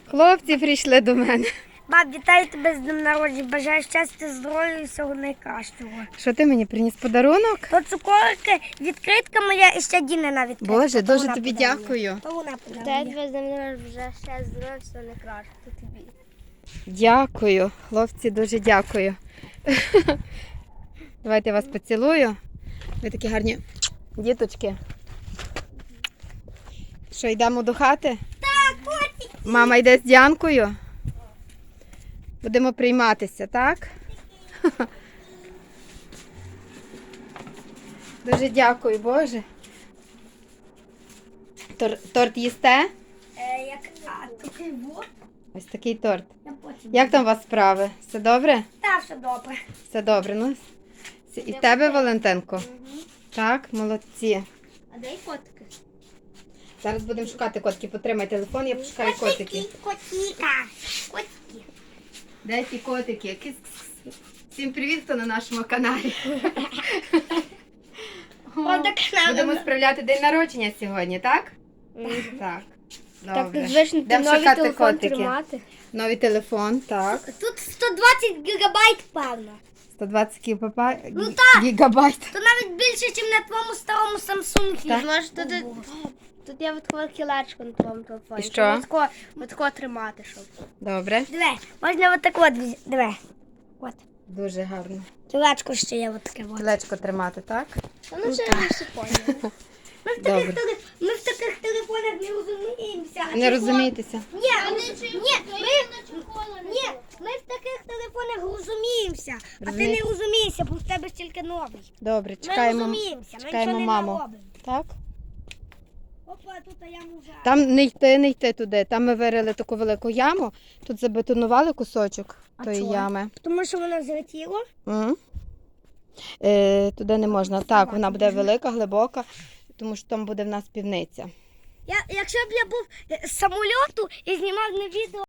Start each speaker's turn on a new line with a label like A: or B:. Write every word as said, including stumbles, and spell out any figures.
A: Хлопці прийшли до мене.
B: Баб, вітаю тебе з днем народження. Бажаю щастя, здоров'я і всього найкращого.
A: Що ти мені приніс подарунок?
B: То цукорки, відкритка моя і ще Дінина відкритка.
A: Боже,
B: То
A: дуже
B: вона
A: тобі
B: подарує.
A: дякую.
B: То вона
C: Дай
B: подарує.
C: тебе з днем народження, вже ще здоров'я, все найкраще. То тобі.
A: Дякую, хлопці, дуже дякую. Давайте я вас поцілую. Ви такі гарні діточки. Що, йдемо до хати?
B: Так, котик.
A: Мама йде з Діанкою. Будемо прийматися, так? Дуже дякую, Боже. Тор- торт їсте?
B: Е, як, а, такий вот.
A: Ось такий торт.
B: Я потім.
A: Як там у вас справи? Все добре?
B: Та, все добре.
A: Все добре. Ну, с- і в тебе, Валентинко? Так, молодці.
C: А дай котики.
A: Зараз будемо шукати котики. Потримай телефон, я пошукаю котики.
B: Котіка. Котики.
A: Де ті котики? Кис-кис-кис. Всім привіт, хто на нашому каналі. О,
B: О, так
A: Будемо
B: надо.
A: справляти день народження сьогодні, так? Так.
C: Так,
A: Добре.
C: звично, ти
A: Йдемо
C: новий
A: шукати
C: телефон
A: котики.
C: тримати.
A: Новий телефон, так.
B: Тут сто двадцять гігабайт, певно.
A: сто двадцять гігапа...
B: Ну
A: гі-
B: так.
A: гігабайт.
B: То навіть більше, ніж на твоєму старому Samsung.
A: Так.
C: Може, тут, тут є таке кілечко на твоєму телефоні.
A: І що?
C: Ось тако, ось тако тримати, щоб.
A: Добре.
B: Диви, можна отак от, візь- диви. От.
A: Дуже гарно.
B: Кілечко ще є отаке от.
A: Колечко тримати, так?
C: Та ну ще не все поняли.
B: Ми в
A: Добре.
B: таких, теле- ми в таких телефонах не розуміємося. а
A: Не
B: телефон-
A: розумієтеся?
B: Ні, ні, ми, ні, ми в таких телефонах розуміємося, а ти не
A: Розумієте?
B: розумієшся, бо в тебе тільки новий.
A: Добре,
B: Ми
A: чекаємо.
B: розуміємося, ми
A: чекаємо
B: нічого не
A: маму.
B: наробимо.
A: Так?
B: Опа, тут я мужа.
A: Там не йти, не йти туди. Там ми вирили таку велику яму, тут забетонували кусочок
B: А
A: тої
B: чого?
A: ями.
B: Тому що воно злетіло.
A: М. Е, туди не можна. Так, вона буде велика, глибока, тому що там буде в нас півниця.
B: Я, якщо б я був е, з самольоту і знімав на відео,